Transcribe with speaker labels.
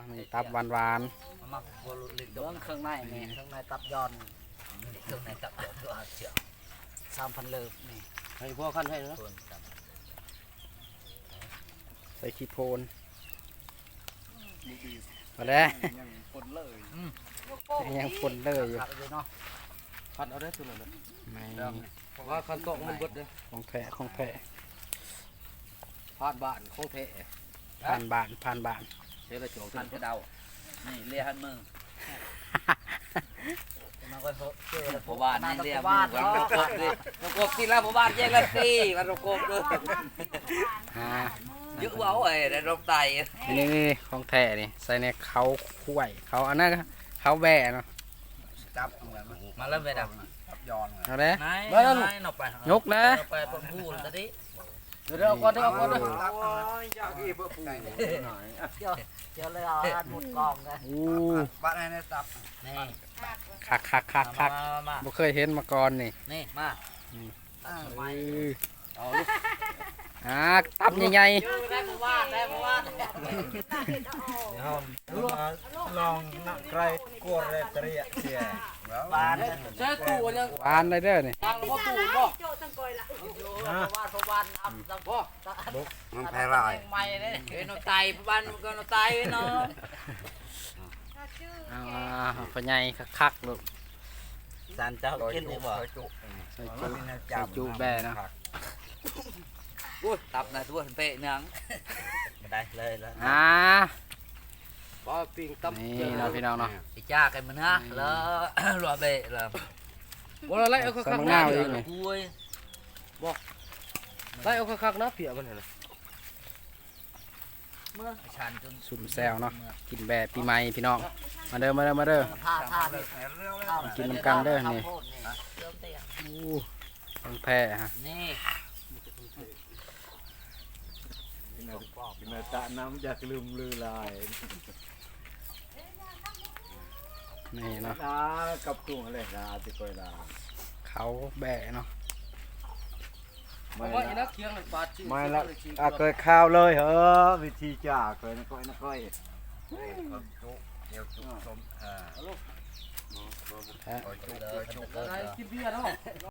Speaker 1: นี่ตับหวาน
Speaker 2: มาบอลลินเบื้องเครื่องในนี่เครื่องในตับยอนเครื่องในตับยอนตัวเจียว3,000เลิฟนี่
Speaker 3: ให้พ่อขั้นให้นะ
Speaker 1: ๆใส่ขี้โพนมาแล้ว
Speaker 3: ยังคนเลย
Speaker 1: ยังปนเลยอยู่
Speaker 2: ขับไปเนาะ
Speaker 3: ขั้นเอาได้ตัวนั้น
Speaker 1: ไม่
Speaker 3: เพราะว่าขั้นตอกมันเบิดเลย
Speaker 1: ของแพะของแพะ
Speaker 3: ผ่านบ้านของแท้
Speaker 1: ผ่านบ้าน
Speaker 3: เสียละจอง
Speaker 2: หันกระเดานี่เลียหันมือมันก็เจอแล้วพ่อบ้านนี่เลียมือวันรกบดิรกบที่ละพ่อบ้านแยกละตีวันรกบด้วย
Speaker 1: อ่า
Speaker 2: เยอะเว้าไอ้ได้รบไต
Speaker 1: นี่ของแท้นี่ใส่ในเขาคุ้ยเขาอันนั้นเขาแบะเนาะ
Speaker 2: จับมาเริ่มไปดับ
Speaker 3: ตับยอน
Speaker 1: เอาเลย
Speaker 2: นายนอกไป
Speaker 1: ยกนะ
Speaker 2: ไปปนพูดตอนนี้
Speaker 3: เดี๋ยวเอาก่อนเดี๋ยวเอาก่อนเดี๋ยว
Speaker 2: เดี๋ยวเลยเอาอันหมดกองกัน
Speaker 1: อู้
Speaker 2: บ้านไหนตับนี่
Speaker 1: คัก
Speaker 2: มา
Speaker 1: บ่เคยเห็นมาก่อนนี่
Speaker 2: นี่มา
Speaker 1: ไม่เอาลูกตับใหญ่
Speaker 2: ได้มาว่าได้มาว่า
Speaker 3: ลองนักไกรกลัวเรตรีเสีย
Speaker 2: บ้าน
Speaker 3: ใช้ตู้ยัง
Speaker 1: ๆหวานเลยเด้อนี่
Speaker 2: ทางพ่อตู่บ่ว่าพ่อบ้านอับสักพ่อ
Speaker 3: มันแพ้ราย
Speaker 2: ใหม่เลยเฮ้ยนตายบ้านก็นตายเนาะ
Speaker 1: พญายคักๆลูก
Speaker 2: สารเจ้ากินดีบ่
Speaker 1: ใส่จุแบะเนาะ
Speaker 2: อุ้ยตับนะตัวเปะเนืองได้เลยแล้ว
Speaker 3: ป้าปิงตับ
Speaker 1: นี่เนาะพี่น้องเนาะ
Speaker 2: ไอ้จ้ากันมันนะแล้วรัวเบะแล้ว
Speaker 3: บ่ไล่เอาคักๆ
Speaker 1: หน้าเอง
Speaker 2: อุ้ย
Speaker 3: ไล่เอาคักๆนะเปียมันน่ะ
Speaker 2: เมื่อฉันจน
Speaker 1: สุ่มแซวเนาะกินแบะปีใหม่พี่น้องมาเด้อ
Speaker 2: ท่านี่
Speaker 1: กินน้ำกันเด้อนี่ต้องแพ้ฮะ
Speaker 2: นี่
Speaker 4: กินตะน้ำจากลืมลือลาย
Speaker 1: นี่เนาะ
Speaker 4: นากับกุ้งอะไรนะติโกยลา
Speaker 1: เขาแบะเนาะ
Speaker 4: ไม่
Speaker 3: ว่า
Speaker 4: ละ
Speaker 3: อีนักเคียงเลยปาดชื่อ
Speaker 4: ไม่ละเคยข้าวเลยเหรอวิธีจ่าเคยนะก้อยนะก้อย
Speaker 1: แพ้
Speaker 3: อะไรกินเบียร์เนาะ